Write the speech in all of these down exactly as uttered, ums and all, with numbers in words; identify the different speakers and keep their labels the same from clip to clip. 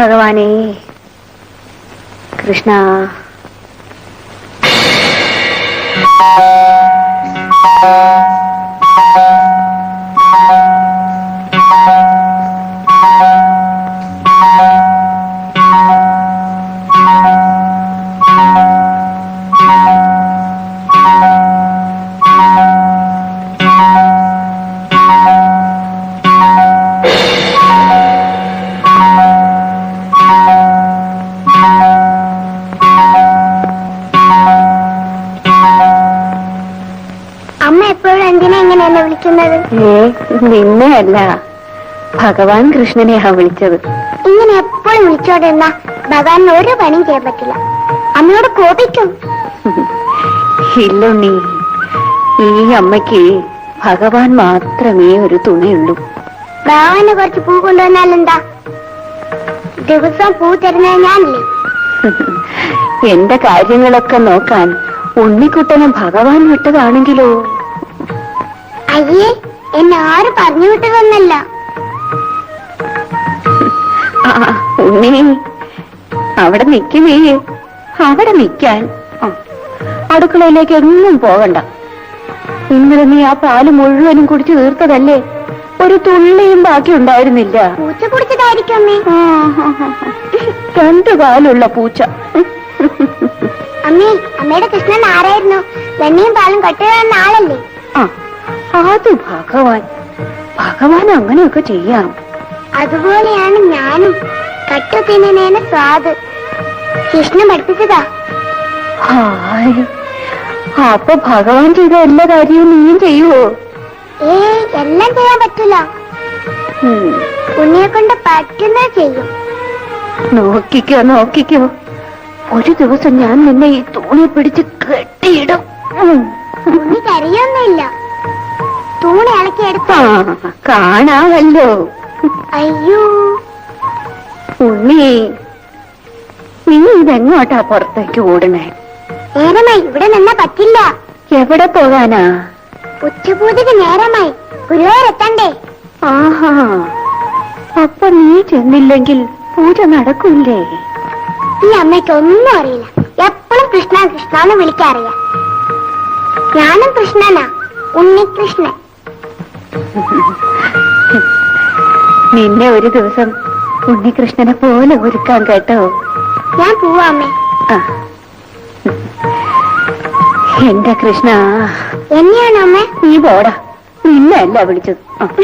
Speaker 1: ഭഗവാനേ കൃഷ്ണ. നിന്നെയല്ല, ഭഗവാൻ കൃഷ്ണനെയാ വിളിച്ചത്.
Speaker 2: ഇങ്ങനെ എപ്പോഴും വിളിച്ചോടെന്ന ഭഗവാൻ ഒരു പണിയും ചെയ്യാൻ പറ്റില്ല. അമ്മയോട് കോപിക്കും.
Speaker 1: ഇല്ലുണ്ണി, ഈ അമ്മയ്ക്ക് ഭഗവാൻ മാത്രമേ ഒരു തുണയുള്ളൂ.
Speaker 2: ഭഗവാന് കുറച്ച് പൂ കൊണ്ടുവന്നാലെന്താ? ദിവസം പൂ തരുന്നത് ഞാനല്ലേ.
Speaker 1: എന്റെ കാര്യങ്ങളൊക്കെ നോക്കാൻ ഉണ്ണിക്കുട്ടനെ ഭഗവാൻ വിട്ടതാണെങ്കിലോ?
Speaker 2: അയ്യേ, എന്നെ ആരും പറഞ്ഞു വിട്ടതൊന്നല്ല.
Speaker 1: ഉണ്ണി, അവിടെ നിൽക്കുമേ, അവിടെ നിൽക്കാൻ. അടുക്കളയിലേക്ക് എങ്ങും പോകണ്ട. ഇന്നലെ നീ ആ പാല് മുഴുവനും കുടിച്ചു തീർത്തതല്ലേ? ഒരു തുള്ളിയും ബാക്കി ഉണ്ടായിരുന്നില്ല.
Speaker 2: പൂച്ച കുടിച്ചതായിരിക്കും.
Speaker 1: രണ്ടു പാലുള്ള പൂച്ച.
Speaker 2: അമ്മേ, അമ്മയുടെ കൃഷ്ണൻ ആരായിരുന്നു? വെണ്ണയും പാലും കട്ടുകയെന്ന ആളല്ലേ?
Speaker 1: ആ, അത് ഭഗവാൻ. ഭഗവാൻ അങ്ങനെയൊക്കെ ചെയ്യാം.
Speaker 2: അതുപോലെയാണ് ഞാനും. കട്ടു തിന്നേന സ്വാദ് കൃഷ്ണൻ പഠിപ്പിച്ചതാ.
Speaker 1: അപ്പൊ ഭഗവാൻ ചെയ്ത എല്ലാ കാര്യവും നീയും ചെയ്യുവോ?
Speaker 2: ഏ, എല്ലാം ചെയ്യാൻ പറ്റില്ല. ഉണ്ണിയെ കൊണ്ട് പറ്റുന്നത് ചെയ്യും.
Speaker 1: നോക്കിക്കോ നോക്കിക്കോ, ഒരു ദിവസം ഞാൻ നിന്നെ ഈ തൂണി പിടിച്ച് കെട്ടിയിടും.
Speaker 2: ഉണ്ണി കരയൊന്നുമില്ല. തൂണി ഇളക്കിയെടുത്ത
Speaker 1: കാണാമല്ലോ.
Speaker 2: അയ്യോ
Speaker 1: ഉണ്ണി, നീ ഇതെങ്ങോട്ടാ പുറത്തേക്ക് ഓടണേ?
Speaker 2: നേരമായി, ഇവിടെ നിന്നാ പറ്റില്ല.
Speaker 1: എവിടെ പോകാനാ?
Speaker 2: ഉച്ചപൂജക്ക് നേരമായി, ഗുരുവായൂരെത്തണ്ടേ?
Speaker 1: ആഹാ, അപ്പൊ നീ ചെന്നില്ലെങ്കിൽ പൂജ നടക്കൂല്ലേ?
Speaker 2: ഈ അമ്മയ്ക്ക് ഒന്നും അറിയില്ല. എപ്പോഴും കൃഷ്ണ കൃഷ്ണന്ന് വിളിക്കാറിയാം. ഞാനും കൃഷ്ണനാ, ഉണ്ണികൃഷ്ണൻ.
Speaker 1: നിന്നെ ഒരു ദിവസം ഉണ്ണികൃഷ്ണനെ പോലെ ഒരുക്കാൻ കേട്ടോ.
Speaker 2: ഞാൻ പോവാ അമ്മേ.
Speaker 1: എന്റെ കൃഷ്ണ.
Speaker 2: എന്നെയാണോ അമ്മേ?
Speaker 1: നീ പോടാ, നിന്നല്ല വിളിച്ചത്.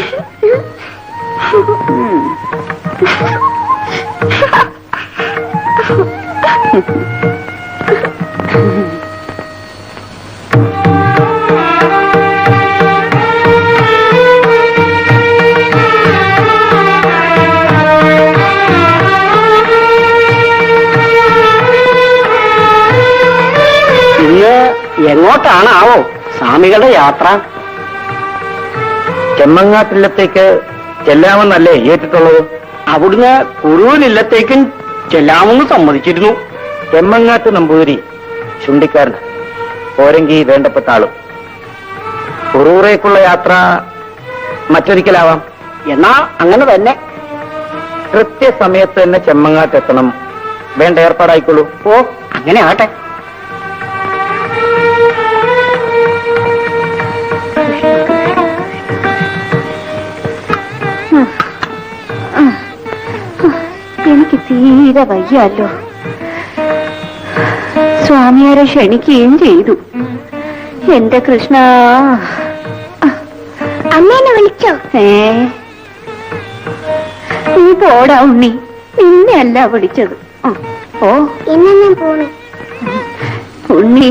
Speaker 3: എങ്ങോട്ടാണാവോ സ്വാമികളുടെ യാത്ര? ചെമ്മങ്ങാട്ടില്ലത്തേക്ക് ചെല്ലാമെന്നല്ലേ ഏറ്റിട്ടുള്ളത്? അവിടുന്ന് കുറുവിലില്ലത്തേക്കും ചെല്ലാമെന്ന് സമ്മതിച്ചിരുന്നു. ചെമ്മങ്ങാട്ട് നമ്പൂതിരി ചുണ്ടിക്കാരൻ, പോരെങ്കി വേണ്ടപ്പെട്ട ആളും. കുറൂറേക്കുള്ള യാത്ര മറ്റൊരിക്കലാവാം. എന്നാ അങ്ങനെ തന്നെ. കൃത്യസമയത്ത് തന്നെ ചെമ്മങ്ങാട്ടെത്തണം. വേണ്ട ഏർപ്പാടായിക്കോളൂ. ഓ, അങ്ങനെ ആട്ടെ.
Speaker 1: എനിക്ക് തീരെ വയ്യല്ലോ. സ്വാമിയാരെ ക്ഷണിക്കുകയും ചെയ്തു. എന്റെ കൃഷ്ണ.
Speaker 2: അമ്മേനെ വിളിച്ചോ?
Speaker 1: ഏ, നീ പോടാ ഉണ്ണി, നിന്നെ അല്ല വിളിച്ചത്. ഓ,
Speaker 2: ഇന്ന് ഞാൻ പോണു.
Speaker 1: ഉണ്ണി,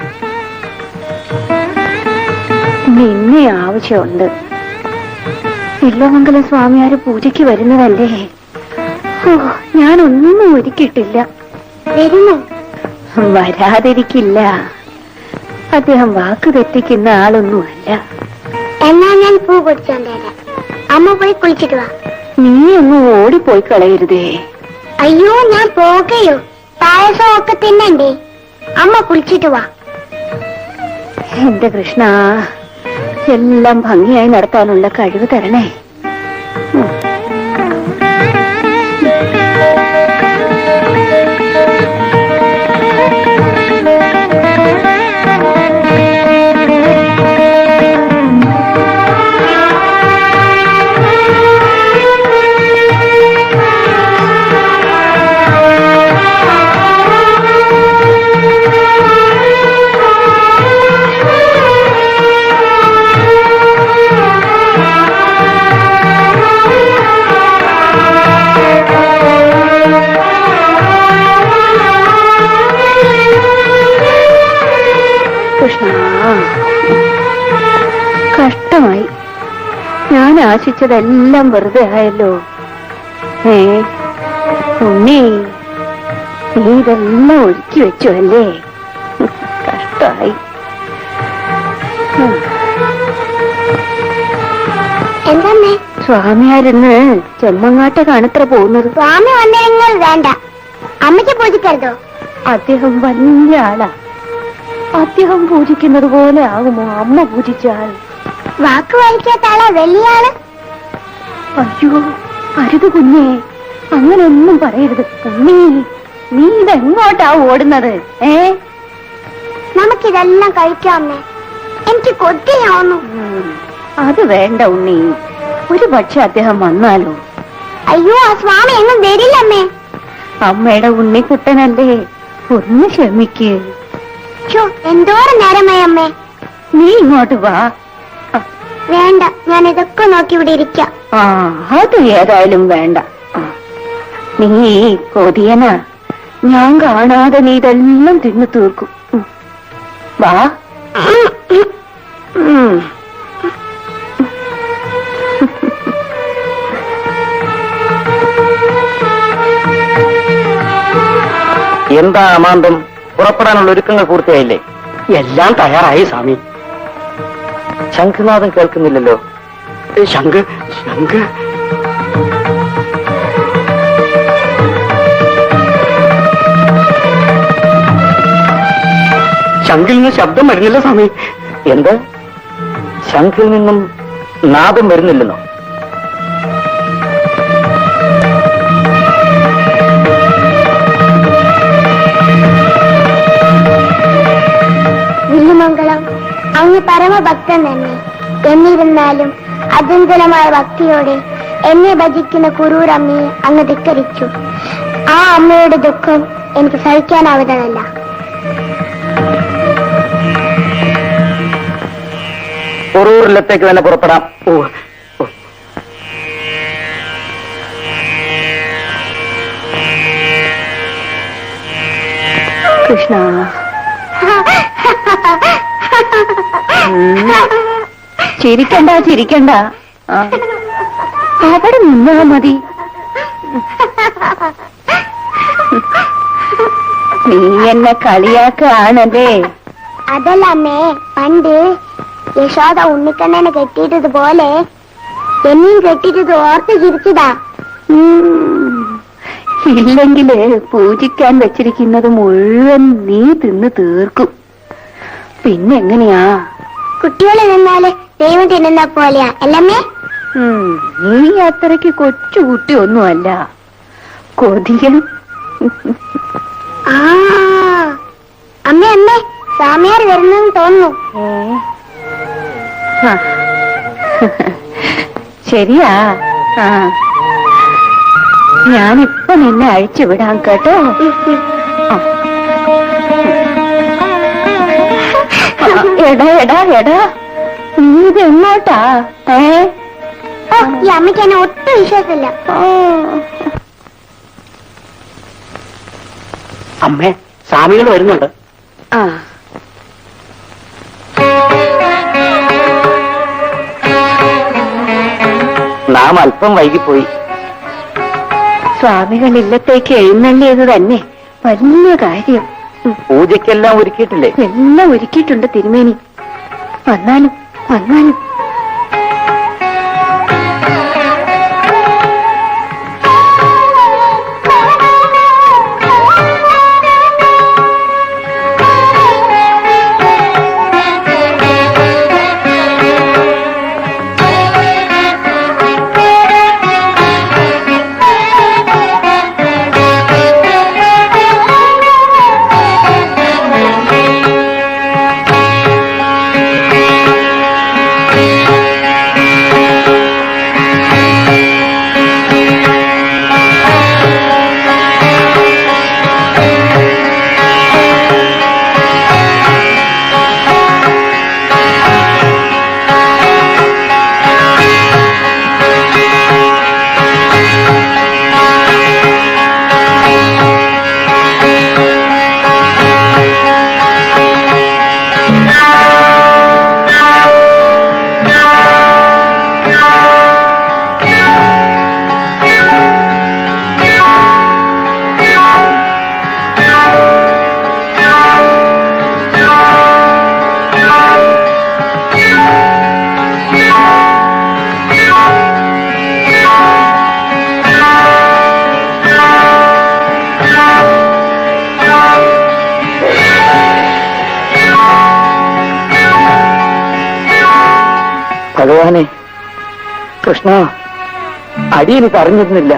Speaker 1: നിന്നെ ആവശ്യമുണ്ട്. ഇല്ലമംഗലം സ്വാമിയാര് പൂജയ്ക്ക് വരുന്നതല്ലേ? ഓ, ഞാനൊന്നും ഒരുക്കിയിട്ടില്ല.
Speaker 2: വരുന്നു?
Speaker 1: വരാതിരിക്കില്ല. അദ്ദേഹം വാക്ക് തെറ്റിക്കുന്ന ആളൊന്നുമല്ല.
Speaker 2: എന്നാ ഞാൻ പൂ പൊടിച്ചോണ്ടേരാ. അമ്മ പോയി കുളിച്ചിട്ട് വാ.
Speaker 1: നീ ഒന്നും ഓടിപ്പോയി കളയരുതേ.
Speaker 2: അയ്യോ, ഞാൻ പോകയോ. പായസം ഒക്കെ തിന്നണ്ടേ. അമ്മ കുളിച്ചിട്ട് വാ.
Speaker 1: എന്റെ കൃഷ്ണ, എല്ലാം ഭംഗിയായി നടത്താനുള്ള കഴിവ് തരണേ. കൃഷ്ണ, കഷ്ടമായി. ഞാൻ ആശിച്ചതെല്ലാം വെറുതെ ആയല്ലോ. ഏ ഉണ്ണി, നീ ഇതെല്ലാം ഒരുക്കി വെച്ചു അല്ലേ? കഷ്ടമായി.
Speaker 2: എന്തമ്മേ?
Speaker 1: സ്വാമിയാരിന്ന് ചെമ്മങ്ങാട്ടെ കാണത്ര പോകുന്നത്.
Speaker 2: സ്വാമി വന്നിരുന്നാൽ വേണ്ട, അമ്മയ്ക്ക് പൂജിക്കരുതോ?
Speaker 1: അദ്ദേഹം വലിയ ആളാ. അദ്ദേഹം പൂജിക്കുന്നത് പോലെ ആകുമോ അമ്മ പൂജിച്ചാൽ?
Speaker 2: വാക്ക് വലിക്കാത്ത ആളാ വലിയ ആള്.
Speaker 1: അയ്യോ അരുത് കുഞ്ഞേ, അങ്ങനെയൊന്നും പറയരുത്. ഉണ്ണി, നീ ഇതെങ്ങോട്ടാ ഓടുന്നത്? ഏ
Speaker 2: നമുക്കിതെല്ലാം കഴിക്കാം അമ്മേ, എനിക്ക് കൊതിയാവുന്നു.
Speaker 1: അത് വേണ്ട ഉണ്ണി, ഒരു പക്ഷെ അദ്ദേഹം വന്നാലോ?
Speaker 2: അയ്യോ, ആ സ്വാമി എങ്ങും വരില്ല അമ്മേ.
Speaker 1: അമ്മയുടെ ഉണ്ണിക്കുട്ടനല്ലേ, ഒന്ന് ക്ഷമിക്ക്.
Speaker 2: എന്തോരം നേരമായി അമ്മേ.
Speaker 1: നീ ഇങ്ങോട്ട് വാ.
Speaker 2: വേണ്ട, ഞാൻ ഇതൊക്കെ നോക്കി ഇവിടെ ഇരിക്കാം.
Speaker 1: ആ അത് ഏതായാലും വേണ്ട. നീ കൊതിയനാ, ഞാൻ കാണാതെ നീ ഇതെല്ലാം തിന്നു തീർക്കും. വാ.
Speaker 3: എന്താ അമാന്തം? പുറപ്പെടാനുള്ള ഒരുക്കങ്ങൾ പൂർത്തിയായില്ലേ?
Speaker 4: എല്ലാം തയ്യാറായി സ്വാമി.
Speaker 3: ശംഖുനാഥം കേൾക്കുന്നില്ലല്ലോ.
Speaker 4: ശംഖ് ശംഖ് ശംഖിൽ നിന്ന് ശബ്ദം വരുന്നില്ല സ്വാമി.
Speaker 3: എന്ത്? ശംഖിൽ നിന്നും നാദം വരുന്നില്ലെന്നോ?
Speaker 2: വില്ലുമംഗളം, അങ്ങ് പരമഭക്തൻ തന്നെ. എന്നിരുന്നാലും അചഞ്ചലമായ ഭക്തിയോടെ എന്നെ ഭജിക്കുന്ന കുറൂരമ്മയെ അങ്ങ് ധിക്കരിച്ചു. ആ അമ്മയുടെ ദുഃഖം എനിക്ക് സഹിക്കാനാവുന്നതല്ല.
Speaker 3: കുറൂരിലത്തേക്ക് തന്നെ പുറപ്പെടാം.
Speaker 4: ഓ
Speaker 1: കൃഷ്ണ, ചിരിക്കണ്ട ചിരിക്കണ്ട, അവിടെ നിന്നാ മതി. നീ എന്നെ കളിയാക്കാണല്ലേ?
Speaker 2: അതല്ല അമ്മേ, പണ്ട് യശോദ ഉണ്ണിക്കണ്ണനെ കെട്ടിയിട്ടതുപോലെ എന്നെയും കെട്ടിയിട്ടത് ഓർത്ത് ചിരിച്ചതാ.
Speaker 1: ഇല്ലെങ്കില് പൂജിക്കാൻ വെച്ചിരിക്കുന്നത് മുഴുവൻ നീ തിന്ന് തീർക്കും. പിന്നെങ്ങനെയാ?
Speaker 2: കുട്ടികളെ നിന്നാല് ദൈവം തിന്നുന്ന പോലെയാ അല്ലമ്മേ?
Speaker 1: നീ അത്രയ്ക്ക് കൊച്ചുകുട്ടി ഒന്നുമല്ല, കൊതിയൻ.
Speaker 2: ആ അമ്മേ അമ്മേ, സ്വാമിയാർ വരുന്നെന്ന് തോന്നുന്നു.
Speaker 1: ശരിയാ. ആ ഞാനിപ്പൊ നിന്നെ അഴിച്ചു വിടാം കേട്ടോ. എടാ എടാ എടാ, നീ ഇത് എങ്ങോട്ടാ? ഏ
Speaker 2: ഈ അമ്മയ്ക്ക് എന്നെ ഒട്ടും വിശ്വാസമില്ല.
Speaker 4: അമ്മേ, സ്വാമികൾ വരുന്നുണ്ട്.
Speaker 1: ആ
Speaker 3: നാം അല്പം വൈകിപ്പോയി.
Speaker 1: സ്വാമികൾ ഇല്ലത്തേക്ക് എഴുന്നള്ളിയത് തന്നെ വലിയ കാര്യം.
Speaker 3: പൂജയ്ക്കെല്ലാം ഒരുക്കിയിട്ടില്ലേ?
Speaker 1: എല്ലാം ഒരുക്കിയിട്ടുണ്ട് തിരുമേനി. വന്നാലും വന്നാലും
Speaker 3: ഭഗവാനെ, കൃഷ്ണ, അടിയെനിക്ക് അറിഞ്ഞിരുന്നില്ല.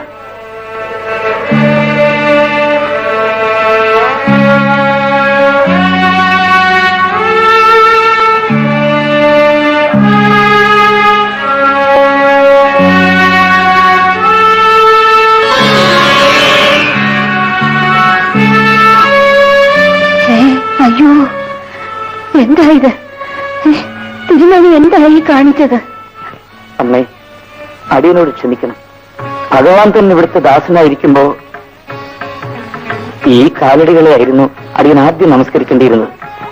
Speaker 1: അയ്യോ, എന്തായത്? തിരുമണി എന്തായി കാണിച്ചത്?
Speaker 3: അമ്മേ, അടിയനോട് ക്ഷമിക്കണം. ഭഗവാൻ തന്നെ ഇവിടുത്തെ ദാസനായിരിക്കുമ്പോ ഈ കാലടികളെ ആയിരുന്നു അടിയൻ ആദ്യം നമസ്കരിക്കേണ്ടിയിരുന്നത്.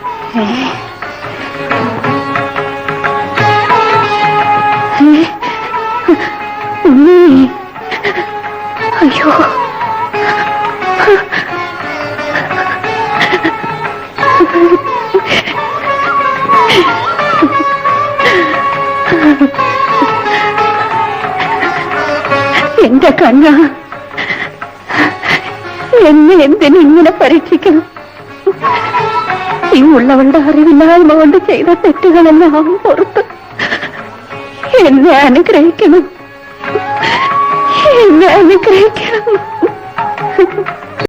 Speaker 1: അയ്യോ, എന്റെ കണ്ണ, എന്നെ എന്തിനിങ്ങനെ പരീക്ഷിക്കണം? ഈ ഉള്ളവളുടെ അറിവില്ലായ്മ കൊണ്ട് ചെയ്ത തെറ്റുകളെല്ലാം പുറത്ത് എന്നെ അനുഗ്രഹിക്കണം, എന്നെ അനുഗ്രഹിക്കണം.